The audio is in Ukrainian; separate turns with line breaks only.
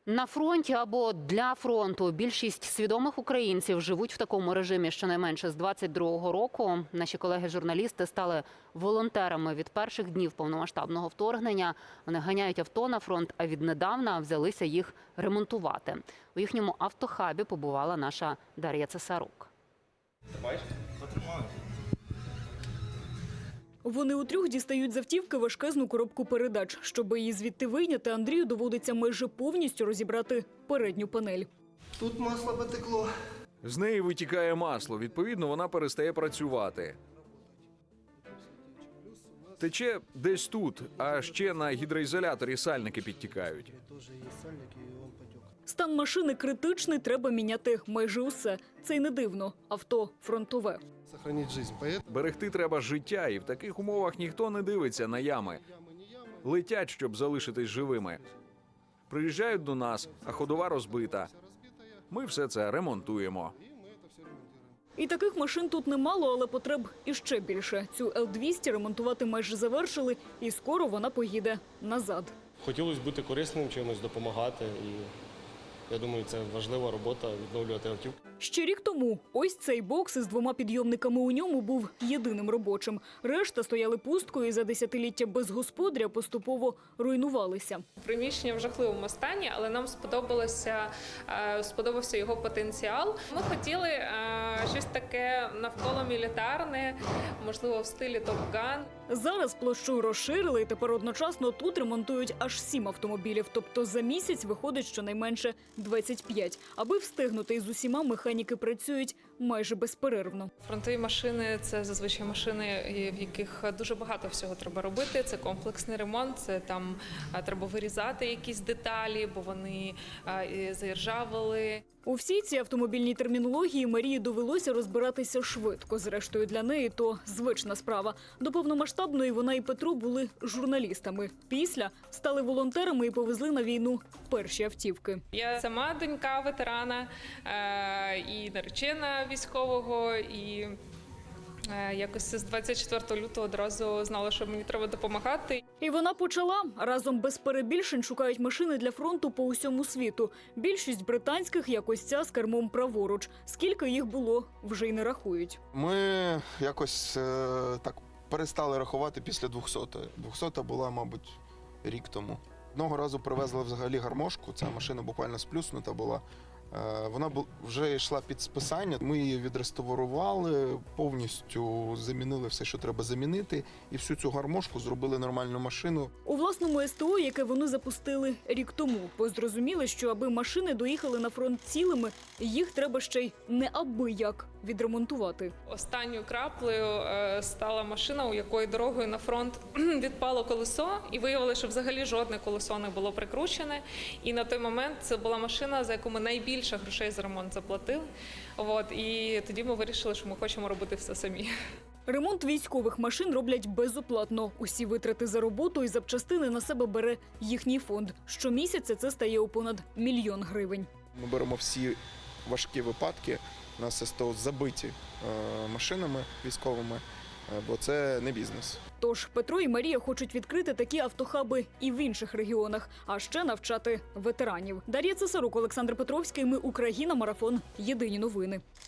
На фронті або для фронту більшість свідомих українців живуть в такому режимі щонайменше з 22-го року. Наші колеги-журналісти стали волонтерами від перших днів повномасштабного вторгнення. Вони ганяють авто на фронт, а віднедавна взялися їх ремонтувати. У їхньому автохабі побувала наша Дар'я Цесарук.
Тримаєш? Потримаю.
Вони утрьох дістають з автівки важкезну коробку передач. Щоб її звідти вийняти, Андрію доводиться майже повністю розібрати передню панель.
Тут масло потекло.
З неї витікає масло, відповідно, вона перестає працювати. Тече десь тут, а ще на гідроізоляторі сальники підтікають.
Стан машини критичний, треба міняти майже усе. Це й не дивно. Авто фронтове.
Сохранить жизнь.
Берегти треба життя, і в таких умовах ніхто не дивиться на ями. Летять, щоб залишитись живими. Приїжджають до нас, а ходова розбита. Ми все це ремонтуємо.
І таких машин тут немало, але потреб іще більше. Цю Л-200 ремонтувати майже завершили, і скоро вона поїде назад.
Хотілося бути корисним, чимось допомагати. І я думаю, це важлива робота – відновлювати автівку.
Ще рік тому ось цей бокс із 2 підйомниками у ньому був єдиним робочим. Решта стояли пусткою і за десятиліття без господаря поступово руйнувалися.
Приміщення в жахливому стані, але нам сподобався його потенціал. Ми хотіли щось таке навколо мілітарне, можливо, в стилі Top Gun.
Зараз площу розширили і тепер одночасно тут ремонтують аж 7 автомобілів. Тобто за місяць виходить щонайменше 25. Аби встигнути із усіма, механіки працюють майже безперервно.
Фронтові машини – це зазвичай машини, в яких дуже багато всього треба робити. Це комплексний ремонт, це там треба вирізати якісь деталі, бо вони заіржавили.
У всій цій автомобільній термінології Марії довелося розбиратися швидко. Зрештою, для неї то звична справа. До повномасштабної вона і Петро були журналістами. Після стали волонтерами і повезли на війну перші автівки.
Я сама донька ветерана і наречена військового, і якось з 24 лютого одразу знала, що мені треба допомагати.
І вона почала. Разом без перебільшень шукають машини для фронту по усьому світу. Більшість британських, як ось ця, з кермом праворуч. Скільки їх було, вже й не рахують.
Ми якось так перестали рахувати після 200-ї. 200-та була, мабуть, рік тому. Одного разу привезли взагалі гармошку, ця машина буквально сплюснута була. Вона вже йшла під списання, ми її відреставрували, повністю замінили все, що треба замінити, і всю цю гармошку зробили нормальну машину.
У власному СТО, яке вони запустили рік тому, бо зрозуміли, що аби машини доїхали на фронт цілими, їх треба ще й неабияк відремонтувати.
Останньою краплею стала машина, у якої дорогою на фронт відпало колесо, і виявилося, що взагалі жодне колесо не було прикручене. І на той момент це була машина, за яку ми найбільше грошей за ремонт заплатили. І тоді ми вирішили, що ми хочемо робити все самі.
Ремонт військових машин роблять безоплатно. Усі витрати за роботу і запчастини на себе бере їхній фонд. Щомісяця це стає у понад 1 мільйон гривень.
Ми беремо всі важкі випадки, у нас СТО забиті машинами військовими, бо це не бізнес.
Тож Петро і Марія хочуть відкрити такі автохаби і в інших регіонах, а ще навчати ветеранів. Дар'я Цесарук, Олександр Петровський. Ми Україна. Марафон. Єдині новини.